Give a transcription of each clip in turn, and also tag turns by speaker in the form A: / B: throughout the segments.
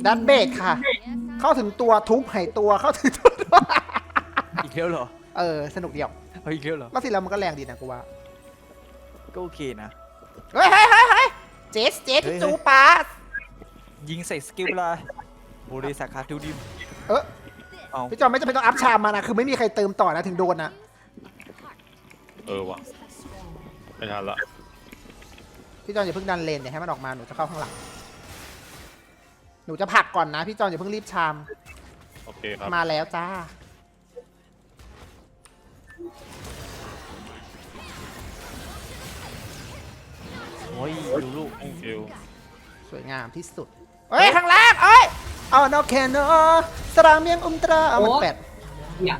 A: ดันเบดค่ะ เข้าถึงตัวทุบหายตัวเข้าถึงตัว
B: อีกแล้วเหรอ
A: สนุกเดียว
B: เอาอีกแล้วเหรอ
A: แล้วสิแล้วมันก็แรงดีนะกูว่า
B: ก็โอเคนะ
A: เฮ้ยเจส
B: เฮ้ย
A: จูปาส
B: ยิงใส่สกิลเวลาโอเรสาขาทูดิม
A: เออ
B: เอา
A: พี่จอมไม่จำเป็นต้องอัพชามมานะคือไม่มีใครเติมต่อนะถึงโดนนะ
C: ว่ะไม่ทันละ
A: พี่จอมอย่าเพิ่งดันเลนเดี๋ยวให้มันออกมาหนูจะเข้าข้างหลังหนูจะผลักก่อนนะพี่จอมอย่าเพิ่งรีบชาม
C: โอเคครับ
A: มาแล้วจ้า
B: โอ้ยดูลูก
C: thank you
A: สวยงามที่สุดเอ้ยข้างล่างเอ้ยเอานอกแคนเนอสรามเมียงอุมตราเอามันแปด
D: อยาก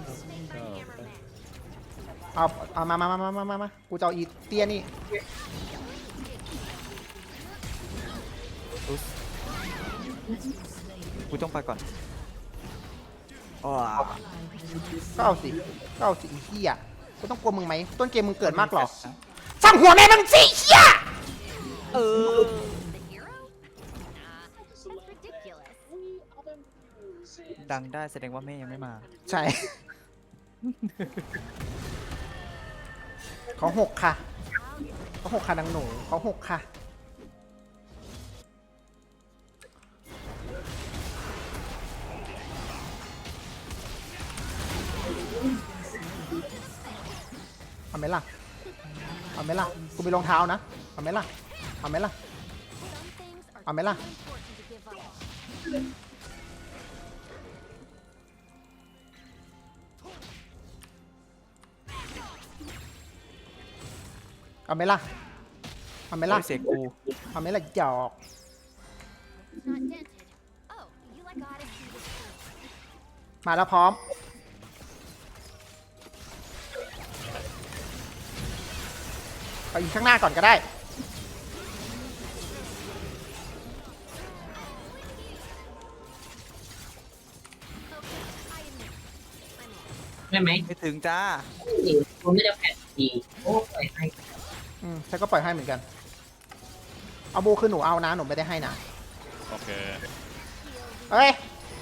A: เอามากูจะเอาอีเตี้ยนี่
B: กูต้องไปก่อนอ๋อ
A: ก็เอาสิอีเหี้ยกูต้องกลัวมึงไหมต้นเกมมึงเกิดมากหรอสั่งหัวแม่มึงสิเหี้ย
B: เออ ดังได้แสดงว่าแม่ยังไม่มา
A: ใช่ เขาหกค่ะนางหนูเขาหกค่ะเอาไหมล่ะกูมีรองเท้านะเอาไหมล่ะเอาไหมล่ะเอาไหมล่ะเอาไหมล่ะ
B: โอ้ยเสกกู
A: เอาไหมล่ะหยอกมาแล้วพร้อมไปอีกข้างหน้าก่อนก็ได้
D: ได้ไหม
B: ไม่ถึงจ้า
D: ผมไม่ได้แผนดีโอ้ปล่อยให้
A: ฉันก็ปล่อยให้เหมือนกัน เอาบูคือหนูเอานะหนูไม่ได้ให้นะ
C: โอเค
A: เฮ้ย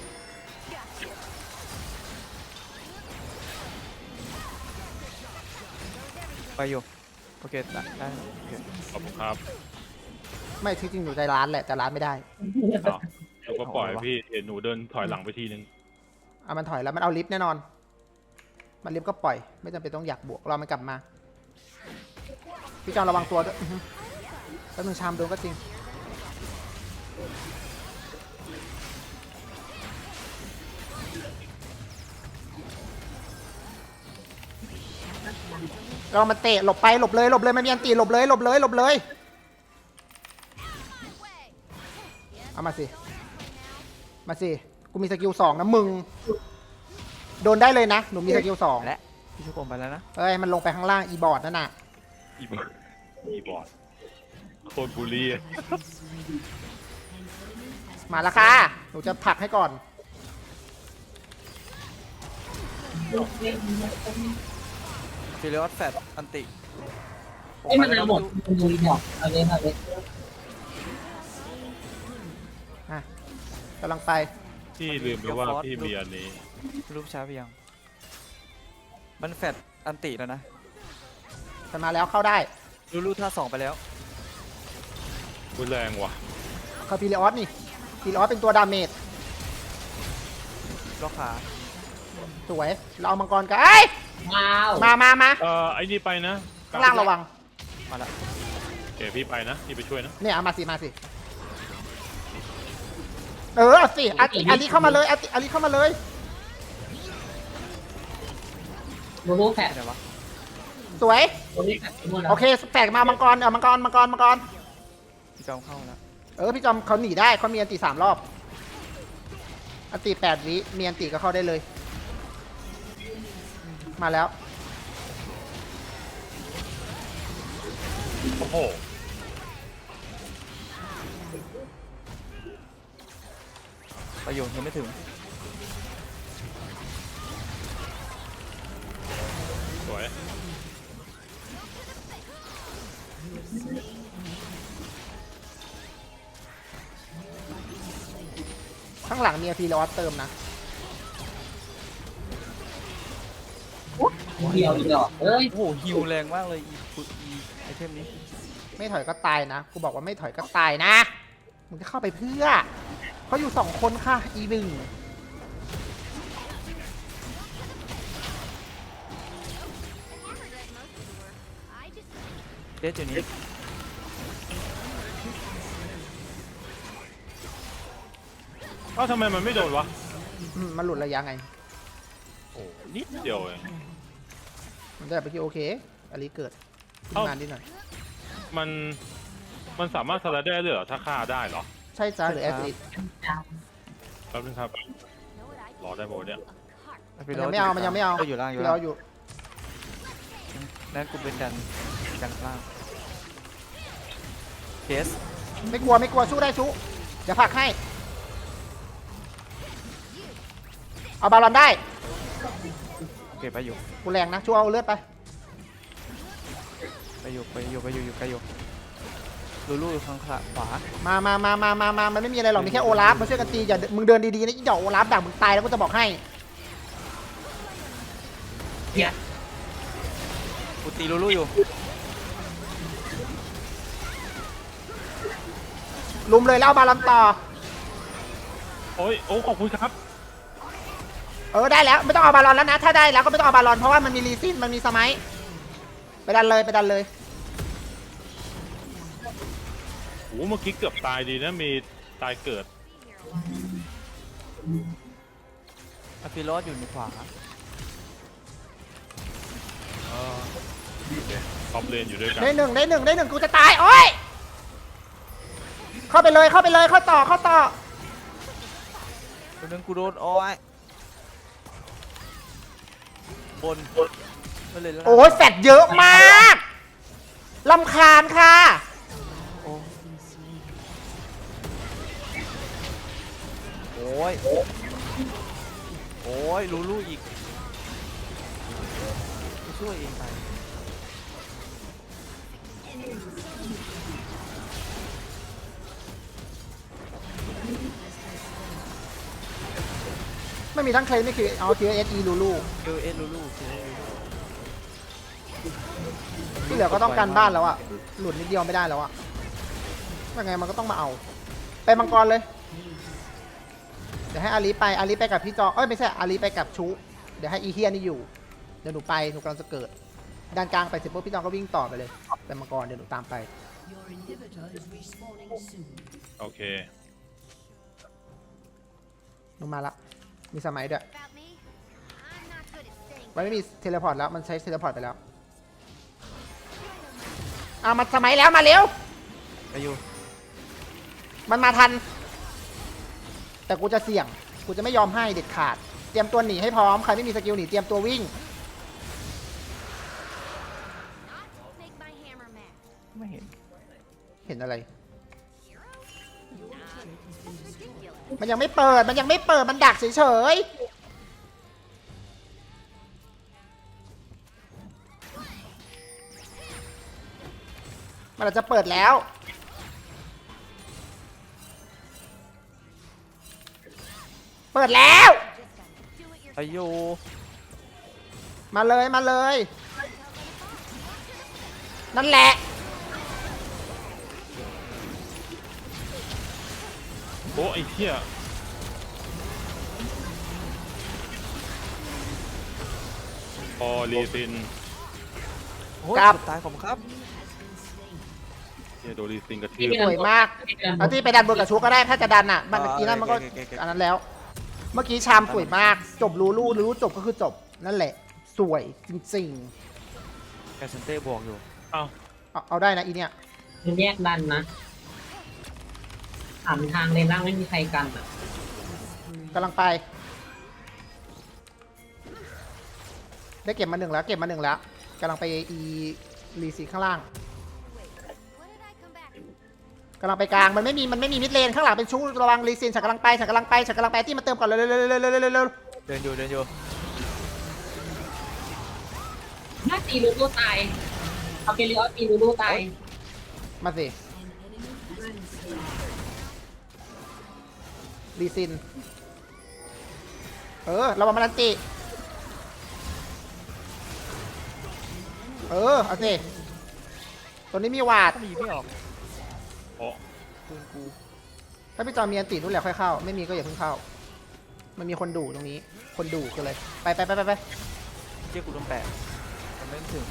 B: ไปอยู่โอเคได้โอเค
C: ขอบคุณครับ
A: ไม่ที่จริงหนูใจร้านแหละแต่ร้านไม่ได้
C: อ้าวแล้วก็ปล่อยพี่เห็นหนูเดินถอยหลังไปทีนึง
A: เอามันถอยแล้วมันเอาลิฟต์แน่นอน มันลิฟต์ก็ปล่อย ไม่จำเป็นต้องอยากบวกรอมันกลับมา พี่จอมระวังตัวด้วยแล้วมึงชามโดนก็จริง เรามันเตะหลบไปหลบเลยมันมีอันตีหลบเลยเอามาสิกูมีสกิล2นะมึงโดนได้เลยนะหนูมีสกิล2
B: และพี่ชุกผมไปแล้วนะ
A: เอ้ยมันลงไปข้างล่างอีบอร์ดนั่นน่ะ
C: อีบอร์ดโคตรบูลลี่
A: มาแล้วค่ะหนูจะผลักให้ก่อน
B: ฟิลิออสแฟตอันติ
D: ไอ้มันเอาหมดมันดูหมดเอาเลย
A: อ่ะกำลังไป
C: พี่ลืมไปว่าพี่มีอันนี้
B: รูปช้าไปยัง มันแฟตอันติแล้วนะ
A: จะมาแล้วเข้าได้
B: รูท่า2ไปแล้ว
C: รุนแรงว่ะ
A: เขาพีเรออสนี่พีเรออสเป็นตัวดาเมจ
B: ล็อกขา
A: สวยเราเอามังกรกันเอ้ย
D: ว้าว
A: มา
C: ไอ้นี่ไปนะ
A: ข้างล่างระวัง
B: มาละ
C: โอเคพี่ไปนะพี่ไปช่วยนะ
A: เนี่ยเอามาสิเอาสิอาลีเข้ามาเลยอาลีเข้ามาเลย
D: โบแผน
B: ไหนวะ
A: สวย
D: โบแผนหมดแล้ว
A: โอเคแตกมามังกรมังกร
B: พี่จอมเข้าแล้ว
A: พี่จอมเขาหนีได้เขามีอันตี3 รอบอันตี8 วิมีอันตีก็เข้าได้เลย มาแล้ว
C: โอ้โห
B: ประโยชน์ยังไม่ถึง
C: สวย
A: ข้างหลังมีพีรอสเติมนะ
D: เดียวอีดอกเอ้ย
B: โอ้โหฮิวแรงมากเลยอีไอเทมนี้
A: ไม่ถอยก็ตายนะกูบอกว่าไม่ถอยก็ตายนะมึงจะเข้าไปเพื่อเขาอยู่2 คนค่ะอีหนึ่ง
B: เดสอยู่นี้
C: เอ้าทำไมมันไม่โดนวะ
A: มันหลุดระยะไง
C: โอ้นิดเดียวเอง
A: มันจะแบบไปที่โอเคอลิเกิดขึ้นมานิดหน่อย
C: มันสามารถสลัดได้เลยเหรอถ้าฆ่าได้เหรอ
A: ใช่จ้าหรือแอสซิด
C: แป๊บนึงครับรอได้โบเนี่ย
A: มันยังไม่เอามันยังไม่เอา
B: อยู่ล่างอยู่
A: พี่
B: ล่าง
A: เราอยู่
B: นั่นกูเป็นดันล่างเคส
A: ไม่กลัวสู้ได้ชูเดี๋ยวผลักให้เอาบาลอนได้
B: โอเคไปอยู่
A: กูแรงนะชูเอาเลือดไป
B: ไปอยู่ลูลูอยู่ข้างขวา
A: มามันไม่มีอะไรหรอกมีแค่โอลาฟมาช่วยกันตีอย่ามึงเดินดีๆนะอีดอกโอลาฟดักมึงตายแล้วกูจะบอกให้
D: เนี่ย
B: กูตีลูลูอยู่
A: ลุมเลยแล้วเอาบาลอนต่อ
C: โอ้ยโอ้ขอบคุณครับ
A: ได้แล้วไม่ต้องเอาบาลอนแล้วนะถ้าได้แล้วก็ไม่ต้องเอาบาลอนเพราะว่ามันมีรีซินมันมีสมัยไปดันเลย
C: โอ้เมื่อกี้เกือบตายดีนะมีตายเกิด
B: อะฟิโรสอยู่ในขวา
C: ท็อปเลนอยู่ด้วยกัน
A: ได้หนึ่งกูจะตายโอ้ยเข้าไปเลยเข้าต่อ
B: ตัวนึงกูโดนอ้อยบนไม่เลยแล้ว
A: โอ้ยแฟดเยอะมากลำคาญค่ะ
B: โอ้ยลูลูอีกกูช่วยเองไป
A: ไม่มีทั้งเคลมไม่คือเอาQSE ลูลู
B: เอลูลู
A: ที่เหลือก็ต้องการบ้านแล้วอะหลุดนิดเดียวไม่ได้แล้วอะยังไงมันก็ต้องมาเอาไปมังกรเลยเดี๋ยวให้อาลีไปกับพี่จอไม่ใช่อาลีไปกับชูเดี๋ยวให้อีเฮียนี่อยู่เดี๋ยวหนูกำลังจะเกิดด้านกลางไปเสร็จปุ๊บพี่จอก็วิ่งต่อไปเลยไปมังกรเดี๋ยวหนูตามไป
C: โอเค
A: หนูมาละมีสมัยด้วยมันไม่มีเทเลพอร์ตแล้วมันใช้เทเลพอร์ตไปแล้วมาสมัยแล้วมาเร็ว
B: ไปอยู่
A: มันมาทัน แต่กูจะเสี่ยงกูจะไม่ยอมให้เด็ดขาดเตรียมตัวหนีให้พร้อมใครไม่มีสกิลหนีเตรียมตัววิ่ง
B: ไม่เห็น
A: เห็นอะไร มันยังไม่เปิดมันดักเฉยๆมันอาจจะเปิดแล้วเปิดแล้ว
B: ไปอยู่
A: มาเลยนั่นแหละ
C: โอ้ไอ้เหี้ยพอรีซิน
B: โอ้ย
A: กลับ
B: สุดตายผมครับ
C: เหี้ยโดนรีซินกระทื
D: ที่
C: บ
D: เป็น
A: สวยมากเอาที่ไปดันบนกับชูก็ได้ถ้าจะดันอ่ะมันอีนั่นมันก็
B: โอเค
A: อันนั้นแล้ว เมื่อกี้ชามสวยมากจบรู้จบก็คือจบนั่นแหละสวยจริง
B: แกสเซนเต้บวกอยู่
C: เอ้า
A: ๆเอาได้นะอีเนี่ย
D: มันแยกดันนะถามทางเลนล่างไม่มีใครกันอ่ะ
A: กำลังไป ได้เก็บมาหนึ่งแล้วกำลังไปอีรีซีข้างล่างกำลังไปกลางมันไม่มีมิดเลนข้างหลังเป็นชู้ระวังรีซีนฉันกำลังไปที่มาเติมก่อนเร็ว
B: เดินอยู่
D: ถ้าตีลูลูตายเอาไปเรียกตีลูลูตาย
A: มาสิรีซินเรามามันติเอาสิตัวนี้มีวาด
B: ถ้ามีไม่ออก
C: โอ้
B: ปืนกู
A: ถ้าพี่จอมีอันตินู่นแหละค่อยเข้าไม่มีก็อย่าเพิ่งเข้ามันมีคนดูตรงนี้คนดูกันเลยไป
B: เจ้ากูโดนแปะมันไม่ถึง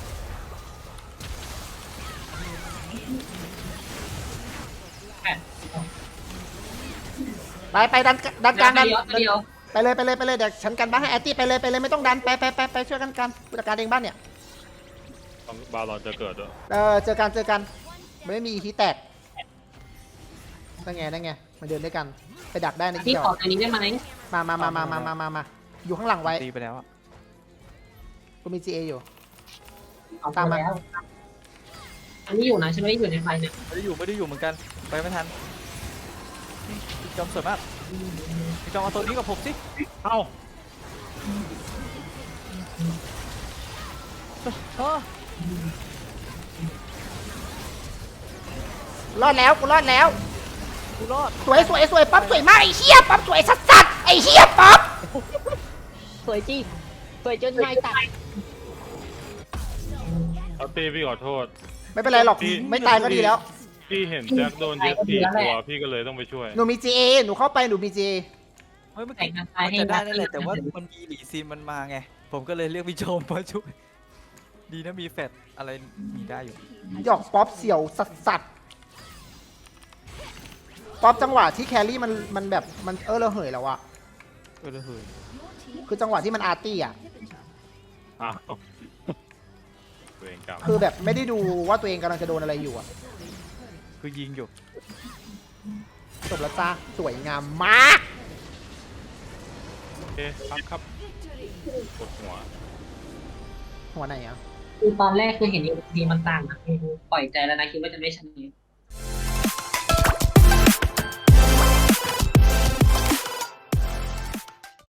A: ไปดันกลางดัน
D: เดียว
A: ไปเลยเดี๋ยวฉันกันบ้านให้แอตตี้ไปเลยไม่ต้องดันไปช่วยกันผู้จัดการเองบ้านเนี่ย
C: ต้องบาลอนจะเกิดด้วย
A: เจอกันไม่มีฮีแตกได้ไงมาเดินด้วยกันไปดักได้ใน
D: พี่
A: เกี่ยว
D: ขอตัวนี้ได้ไหม
A: มาอยู่ข้างหลังไว้
B: ตีไปแล้วอะ
A: กูมี GA อยู่
D: เอาไปแล้วอันนี้อยู่นะฉันไม่ได้อยู่ในไฟเนี่ย
B: ไม่ได้อยู่เหมือนกันไปไม่ทันพี่จอมสวยมากพี่จอมเอาตัวนี้กับผมสิ
C: เอ้าร
A: อดแล้วกูรอดแล้ว
B: กูรอด
A: สวยป๊อปสวยมากไอ้เหี้ยป๊อปสวยสัสไอ้เหี้ยป๊อป
D: สวยจริงสวยจนไม่ตาย
C: เอาตีพี่ขอโทษ
A: ไม่เป็นไรหรอกไม่ตายก็ดีแล้ว
C: พี่เห็นแจ็คโดนเย็บ4 ตัวพี่ก็เลยต้องไปช่วย
A: หนูมี GA หนูเข้าไปหนูมี GA
B: เฮ้ยเมื่อกี้มันจะได้นั่นแหละแต่ว่ามันมีหลีซีนมันมาไงผมก็เลยเรียกพี่โจมมาช่วยดีนะมีแฟดอะไรมีได้อยู่
A: หยอกป๊อปเสี่ยวสัสป๊อปจังหวะที่แครี่มันแบบมันระเหยแล้วอะ
B: เลยเฮ้ย
A: คือจังหวะที่มันอาร์ตี้อะ
C: อ้าวตัวเองกลับ
A: คือแบบไม่ได้ดูว่าตัวเองกำลังจะโดนอะไรอยู่อะ
B: คือยิงอยู่
A: จบแล้วจ้าสวยงามมาก
C: โอเคครับกดหัว
A: หัวไหนอะ
D: คือตอนแรกคือเห็นทีมันต่างนะคือปล่อยใจแล้วนะคิดว่าจะไม่ชนะ